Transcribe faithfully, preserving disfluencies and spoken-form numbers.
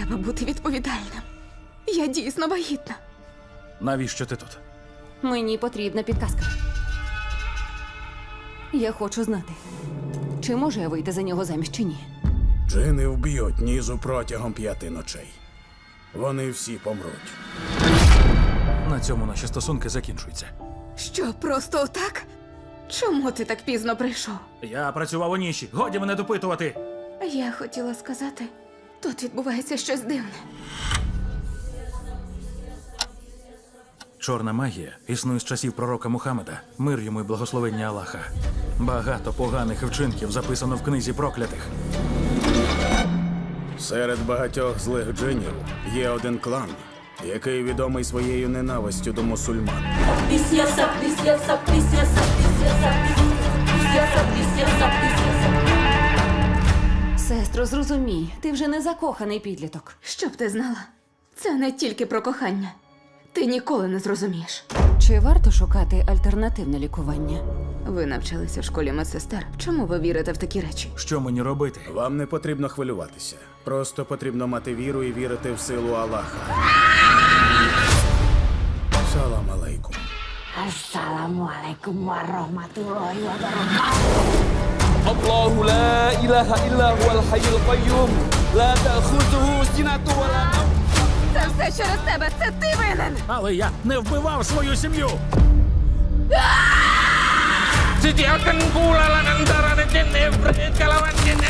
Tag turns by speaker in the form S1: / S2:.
S1: Треба бути відповідальним. Я дійсно вагітна.
S2: Навіщо ти тут?
S3: Мені потрібна підказка. Я хочу знати, чи можу я вийти за нього заміж чи ні.
S4: Джини вб'ють Нізу протягом п'яти ночей. Вони всі помруть.
S2: На цьому наші стосунки закінчуються.
S1: Що, просто отак? Чому ти так пізно прийшов?
S2: Я працював у ніші. Годі мене допитувати.
S1: Я хотіла сказати, тут відбувається щось дивне.
S2: Чорна магія існує з часів пророка Мухаммеда. Мир йому і благословення Аллаха. Багато поганих вчинків записано в книзі проклятих.
S4: Серед багатьох злих джинів є один клан, який відомий своєю ненавистю до мусульман.
S5: Пісняса, пісняса, пісняса, пісняса, пісняса, пісняса, пісняса.
S3: Сестро, зрозумій, ти вже не закоханий підліток.
S1: Щоб ти знала, це не тільки про кохання. Ти ніколи не зрозумієш.
S3: Чи варто шукати альтернативне лікування?
S1: Ви навчалися в школі медсестер. Чому ви вірите в такі речі?
S2: Що мені робити?
S4: Вам не потрібно хвилюватися. Просто потрібно мати віру і вірити в силу Аллаха. Салам алейкум.
S5: Assalamualaikum warahmatullahi wabarakatuh.
S6: الله لا إله إلا هو الحي القيوم لا تأخذه سنة ولا نوم.
S1: Це все через тебе! Це ти винен!
S2: Але я не вбивав свою сім'ю!
S6: Sediakan pula antara jin iblis kalawan jin